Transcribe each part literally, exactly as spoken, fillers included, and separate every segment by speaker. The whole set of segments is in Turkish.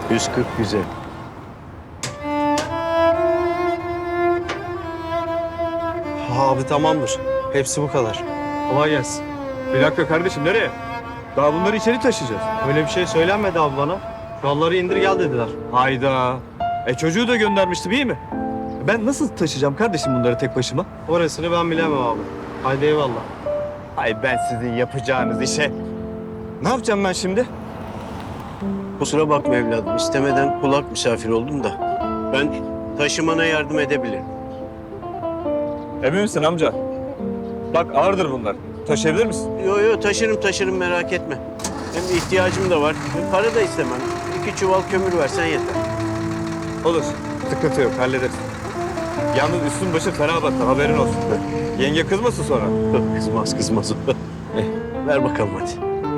Speaker 1: yüz kırk güzel.
Speaker 2: Abi tamamdır. Hepsi bu kadar.
Speaker 3: Kolay gelsin. Bir dakika kardeşim, nereye? Daha bunları içeri taşıyacağız.
Speaker 2: Öyle bir şey söylenmedi abi bana. Kuralları indir gel dediler.
Speaker 3: Hayda. E çocuğu da göndermiştim, iyi mi? Ben nasıl taşıyacağım kardeşim bunları tek başıma?
Speaker 2: Orasını ben bilemem abi. Haydi eyvallah.
Speaker 3: Ay ben sizin yapacağınız işe. Ne yapacağım ben şimdi?
Speaker 1: Kusura bakma evladım. İstemeden kulak misafir oldum da. Ben taşımana yardım edebilirim.
Speaker 3: Emin misin amca? Bak ağırdır bunlar. Taşıyabilir misin?
Speaker 1: Yo yo taşırım taşırım merak etme. Hem ihtiyacım da var. Para da istemem. İki çuval kömür versen yeter.
Speaker 3: Olur. Sıkıntı yok, hallederiz. Yalnız üstün başın fena battı, haberin olsun. Yenge kızmasın sonra.
Speaker 1: Kızmaz kızmaz. Eh, ver bakalım hadi.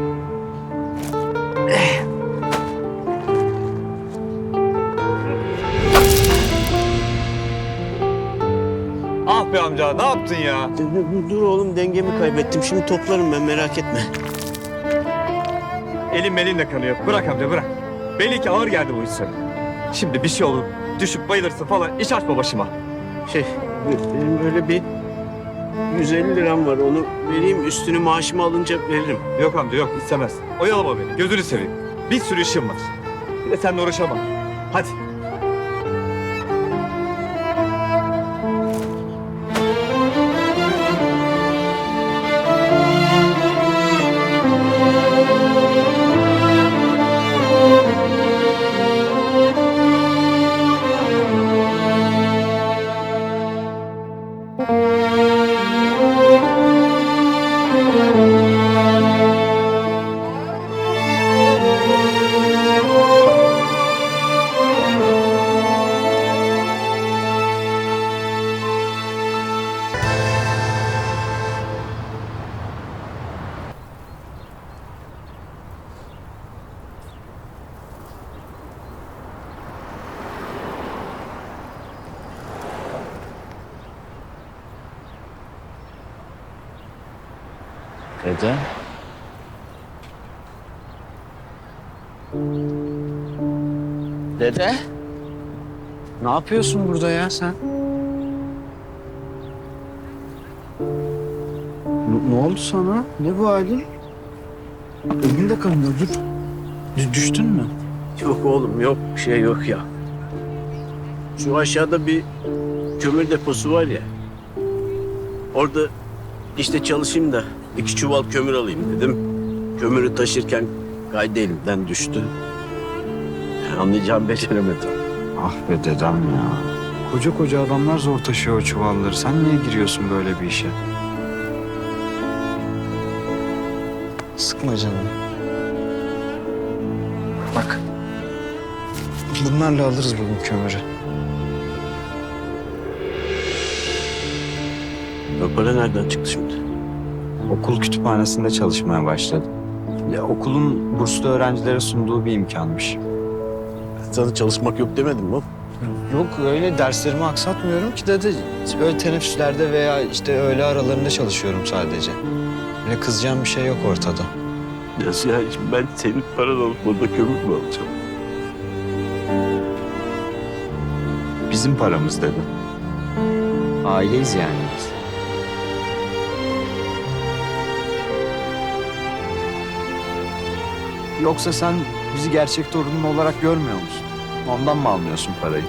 Speaker 3: Ah be amca, ne yaptın ya?
Speaker 1: Dur, dur, dur oğlum dengemi kaybettim. Şimdi toplarım ben merak etme.
Speaker 3: Elim elinle kanıyor. Bırak amca, bırak. Belli ki ağır geldi bu iş sana. Şimdi bir şey olur, düşüp bayılırsın falan, iş açma başıma.
Speaker 1: Şey benim böyle bir yüz elli liram var. Onu vereyim üstünü maaşımı alınca veririm.
Speaker 3: Yok amca, yok istemez. Oyalama beni, gözünü seveyim. Bir sürü işim var. Bir de seninle uğraşamam. Hadi.
Speaker 4: Dede. Dede. Ne yapıyorsun burada ya sen? Ne, ne oldu sana? Ne bu halin? Elin de kanıyor, dur. Dü- düştün mü?
Speaker 1: Yok oğlum yok bir şey yok ya. Şu aşağıda bir kömür deposu var ya. Orada işte çalışayım da iki çuval kömür alayım dedim. Kömürü taşırken kaydı elimden düştü. Yani anlayacağım beceremedim.
Speaker 4: Ah be dedem ya. Koca koca adamlar zor taşıyor o çuvalları. Sen niye giriyorsun böyle bir işe? Sıkma canını. Bak. Bunlarla alırız bugün kömürü.
Speaker 1: O para nereden çıktı şimdi?
Speaker 4: Okul kütüphanesinde çalışmaya başladım. Ya okulun burslu öğrencilere sunduğu bir imkanmış.
Speaker 1: Sana çalışmak yok demedim mi?
Speaker 4: Yok öyle derslerimi aksatmıyorum ki dede. Öyle teneffüslerde veya işte öğle aralarında çalışıyorum sadece. Öyle kızacağım bir şey yok ortada.
Speaker 1: Nasıl ya? Şimdi ben senin paran alıp burada kömür mü alacağım?
Speaker 4: Bizim paramız dedi. Aileyiz yani biz. Yoksa sen bizi gerçek torunun olarak görmüyor musun? Ondan mı almıyorsun parayı?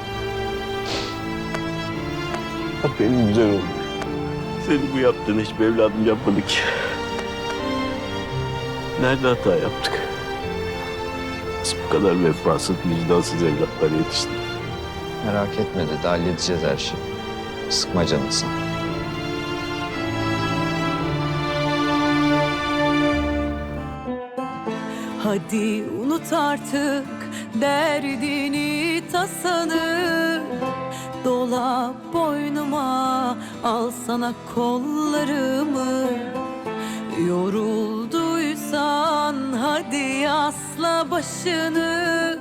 Speaker 1: Bak benim güzel oğlum. Senin bu yaptığını hiçbir evladım yapmadı ki. Nerede hata yaptık? Biz bu kadar vefasız, vicdansız evlatlar yetiştik.
Speaker 4: Merak etme dede, halledeceğiz her şeyi. Sıkma canını sen.
Speaker 5: Hadi unut artık derdini tasanı. Dola boynuma, al sana kollarımı. Yorulduysan hadi asla başını.